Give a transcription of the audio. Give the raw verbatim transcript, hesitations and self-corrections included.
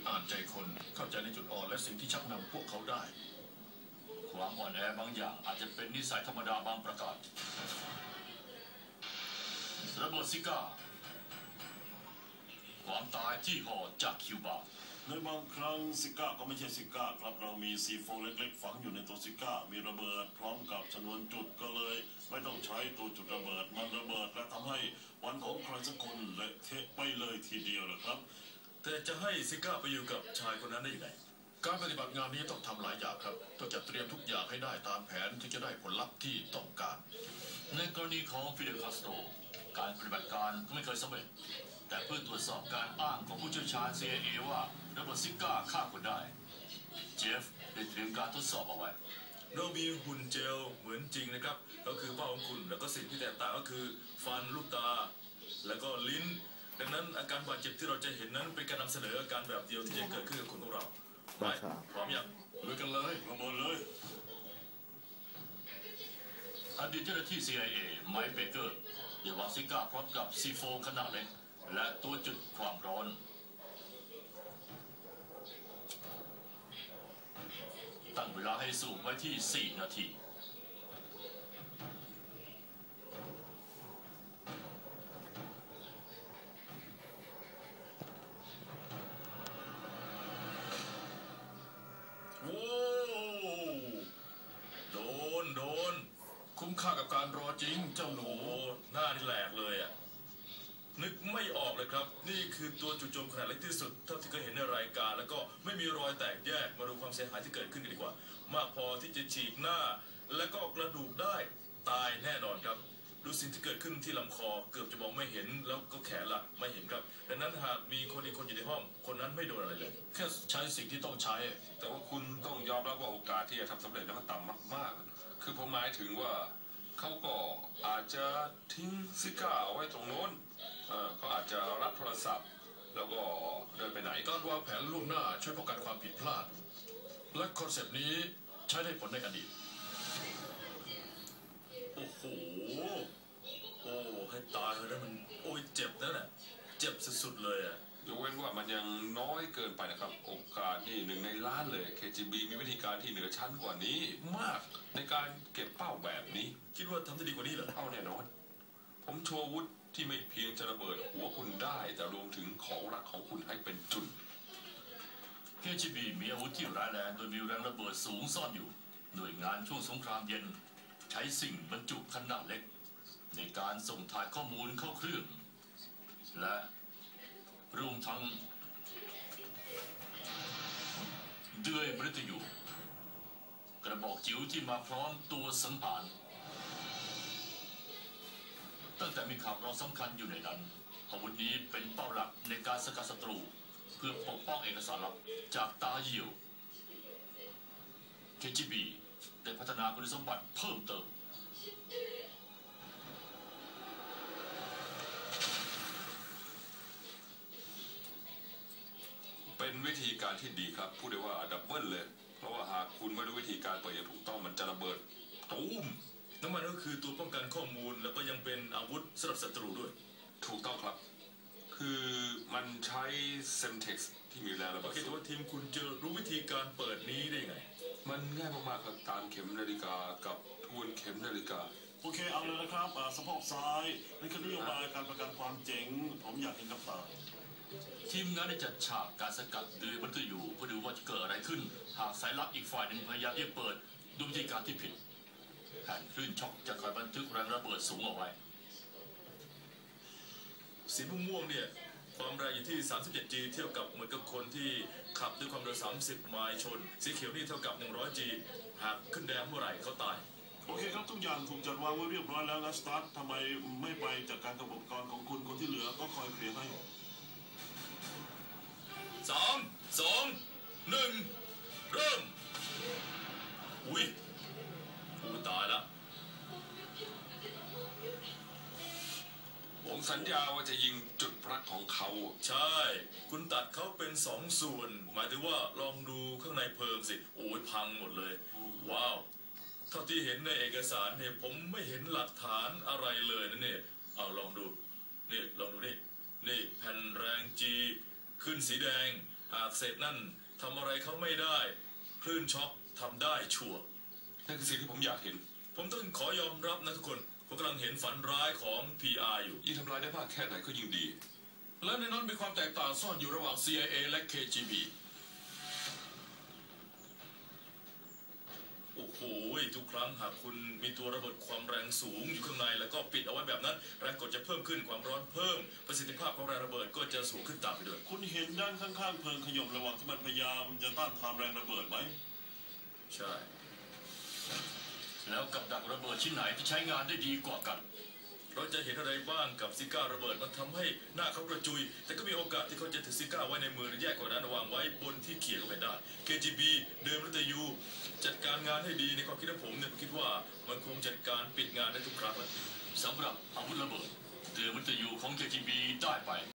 อ่านใจคนเข้าใจในจุดอ่อนและสิ่งที่ชักนำพวกเขาได้ความอ่อนแอบางอย่างอาจจะเป็นนิสัยธรรมดาบางประการระเบิดซิก้าความตายที่ห่อจากคิวบาในบางครั้งซิก้าก็ไม่ใช่ซิก้าครับเรามีซีโฟเล็กๆฝังอยู่ในตัวซิก้ามีระเบิดพร้อมกับชนวนจุดก็เลยไม่ต้องใช้ตัวจุดระเบิดมันระเบิดและทำให้วันของใครสักคนเละเทะไปเลยทีเดียวนะครับแต่จะให้ซิก้าไปอยู่กับชายคนนั้นได้ยังไงการปฏิบัติงานนี้ต้องทำหลายอย่างครับต้องจัดเตรียมทุกอย่างให้ได้ตามแผนถึงจะได้ผลลัพธ์ที่ต้องการในกรณีของฟิเดลคาสโตรการปฏิบัติการก็ไม่เคยสำเร็จแต่เพื่อตรวจสอบการอ้างของผู้เชี่ยวชาญ ซี ไอ เอ ว่าระเบิดซิก้าฆ่าคนได้เจฟได้เตรียมการทดสอบเอาไว้เรามีหุ่นเจลเหมือนจริงนะครับก็คือเป้าของคุณแล้วก็สิ่งที่แตกต่างก็คือฟันลูกตาแล้วก็ลิ้นดังนั้นอาการบาดเจ็บที่เราจะเห็นนั้นเป็นการนำเสนออาการแบบเดียวที่จะเกิดขึ้นกับคนของเราไปพร้อมยังลุยกันเลยระเบิดเลยอดีตเจ้าหน้าที่ ซี ไอ เอ ไมค์เบเกอร์เดี๋ยววางซิก้าพร้อมกับซีโฟขนาดเล็กและตัวจุดความร้อนตั้งเวลาให้สูงไว้ที่สี่นาทีโอ้โดนโดนคุ้มค่ากับการรอจริงเจ้าหนูหน้านี่แหลกเลยอ่ะนึกไม่ออกเลยครับนี่คือตัวจู่โจมขนาดเล็กที่สุดเท่าที่เคยเห็นในรายการแล้วก็ไม่มีรอยแตกแยกมาดูความเสียหายที่เกิดขึ้นกันดีกว่ามากพอที่จะฉีกหน้าและก็กระดูกได้ตายแน่นอนครับดูสิ่งที่เกิดขึ้นที่ลำคอเกือบจะมองไม่เห็นแล้วก็แขนละไม่เห็นครับดังนั้นหากมีคนอีกคนอยู่ในห้องคนนั้นไม่โดนอะไรเลยแค่ใช้สิ่งที่ต้องใช้แต่ว่าคุณต้องยอมรับว่าโอกาสที่จะทำสำเร็จนั้นมันต่ำมากๆคือผมหมายถึงว่าเขาก็อาจจะทิ้งซิก้าเอาไว้ตรงโน้นเขาอาจจะรับโทรศัพท์แล้วก็เดินไปไหนการวางแผนล่วงหน้าช่วยป้องกันความผิดพลาดและคอนเซปต์นี้ใช้ได้ผลในอดีตโอ้โหโอ้ให้ตายเลยนะมันโอ้ยเจ็บนั่นแหละเจ็บสุดๆเลยอ่ะยกเว้นว่ามันยังน้อยเกินไปนะครับโอกาสนี่หนึ่งในล้านเลย เค จี บี มีวิธีการที่เหนือชั้นกว่านี้มากในการเก็บเป้าแบบนี้คิดว่าทำได้ดีกว่านี้เหรอเอาแน่นอนผมโชว์วุธที่ไม่เพียงจะระเบิดหัวคุณได้แต่รวมถึงของรักของคุณให้เป็นจุดเค จี บี มีอาวุธที่ร้ายแรงโดยมีแรงระเบิดสูงซ่อนอยู่หน่วยงานช่วงสงครามเย็นใช้สิ่งบรรจุขนาดเล็กในการส่งถ่ายข้อมูลเข้าเครื่องและรวมทั้งเดือยมฤตยูกระบอกจิ๋วที่มาพร้อมตัวสังหารตั้งแต่มีข่าวร้องสำคัญอยู่ในนั้นอาวุธนี้เป็นเป้าหลักในการสกัดศัตรูเพื่อปกป้องเอกสารลับจากตาเหี่ยว เค จี บี ได้พัฒนาคุณสมบัติเพิ่มเติมเป็นวิธีการที่ดีครับพูดได้ว่าดับเบิลเลยเพราะว่าหากคุณไม่รู้วิธีการเปิดอย่างถูกต้องมันจะระเบิดตูมน้ำมันก็คือตัวป้องกันข้อมูลแล้วก็ยังเป็นอาวุธสำหรับศัตรูด้วยถูกต้องครับคือมันใช้เซมเท็กซ์ที่มีแรงระเบิดคิดว่าทีมคุณจะรู้วิธีการเปิดนี้ได้ไงมันง่ายมากๆครับตามเข็มนาฬิกากับทวนเข็มนาฬิกาโอเคเอาเลยนะครับสะโพกซ้ายนี่คือนโยบายการประกันความเจ๋งผมอยากเห็นกับตาทีมงานได้จัดฉากการสกัดโดยมันก็อยู่เพื่อดูว่าจะเกิดอะไรขึ้นหากสายลับอีกฝ่ายหนึ่งพยายามที่จะเปิดด้วยวิธีการที่ผิดแผ่นคลื่นช็อคจะคอยบันทึกแรงระเบิดสูงเอาไว้สีม่วงเนี่ยความแรงอยู่ที่สามสิบเจ็ด จี เทียบกับเหมือนกับคนที่ขับด้วยความเร็วสามสิบไมล์ชนสีเขียวนี่เท่ากับหนึ่งร้อย จี หากขึ้นแดงเมื่อไหร่เขาตายโอเคครับทุกอย่างถูกจัดวางไว้เรียบร้อยแล้วนะสตาร์ททำไมไม่ไปจัดการกับอุปกรณ์ของคุณคนที่เหลือก็คอยเคลียร์ให้สามสองหนึ่งเริ่มอุ้ยกูตายแล้วผมสัญญาว่าจะยิงจุดรักของเขาใช่คุณตัดเขาเป็นสองส่วนหมายถึงว่าลองดูข้างในเพลิงสิโอ้ยพังหมดเลยว้าวเท่าที่เห็นในเอกสารเนี่ยผมไม่เห็นหลักฐานอะไรเลยนะเนี่ยเอาลองดูนี่ลองดูนี่นี่แผ่นแรงจีขึ้นสีแดงหากเศษนั่นทำอะไรเขาไม่ได้คลื่นช็อคทำได้ชัวร์นั่นคือสิ่งที่ผมอยากเห็นผมต้องขอยอมรับนะทุกคนผมกำลังเห็นฝันร้ายของ พี อาร์ อยู่ยิ่งทำลายได้มากแค่ไหนก็ยิ่งดีและในนั้นมีความแตกต่างซ่อนอยู่ระหว่าง ซี ไอ เอ และ เค จี บีโอ้โหทุกครั้งหากคุณมีตัวระเบิดความแรงสูงอยู่ข้างในแล้วก็ปิดเอาไว้แบบนั้นแรงกดจะเพิ่มขึ้นความร้อนเพิ่มประสิทธิภาพของแรงระเบิดก็จะสูงขึ้นตามไปด้วยคุณเห็นด้านข้างๆเพลิงขยมระหว่างที่มันพยายามจะต้านทานแรงระเบิดไหมใช่แล้วกับดักระเบิดชิ้นไหนที่ใช้งานได้ดีกว่ากันเราจะเห็นอะไรบ้างกับซิก้าระเบิดมันทำให้หน้าเขากระจุยแต่ก็มีโอกาสที่เขาจะถือซิก้าไว้ในมือหรือแยกกว่านั้นวางไว้บนที่เขี่ยเข้าไปได้ เค จี บี เดิมรัตยูจัดการงานให้ดีในความคิดของผมเนี่ยผมคิดว่ามันคงจัดการปิดงานได้ทุกครั้งเลยสำหรับอาวุธระเบิดเดือมัตยูของ เค จี บี ได้ไป